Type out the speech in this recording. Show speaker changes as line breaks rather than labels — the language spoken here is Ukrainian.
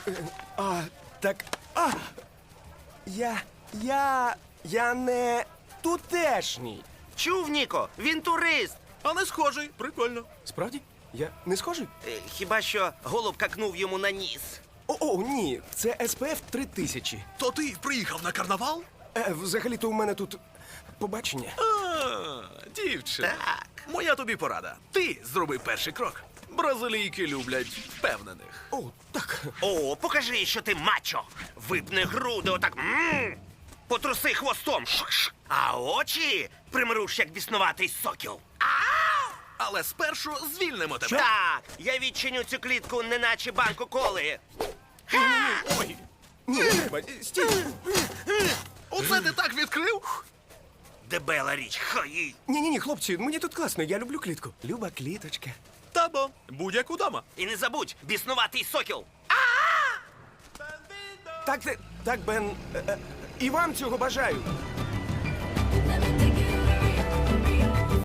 Так. Я не тутешній.
Чув, Ніко, він турист.
А не схожий. Прикольно.
Справді? Я не схожий?
Хіба що голуб какнув йому на ніс.
О, ні, це SPF 3000.
То ти приїхав на карнавал?
Взагалі-то у мене тут побачення.
Дівчина.
Так.
Моя тобі порада. Ти зроби перший крок. Бразилійки люблять впевнених.
О, так.
О, покажи, що ти мачо. Випни груди отак. Потруси хвостом. А очі примруш, як біснуватий сокіл.
Але спершу звільнимо тебе.
Так, я відчиню цю клітку, неначе банку коли.
Ой,
Ні, не треба. Стій.
оце ти так відкрив?
Дебела річ, хай.
Ні, хлопці, мені тут класно, я люблю клітку. Люба кліточка.
Табо, будь-яку дома.
І не забудь, біснуватий сокіл.
Так, Бен, і вам цього бажаю.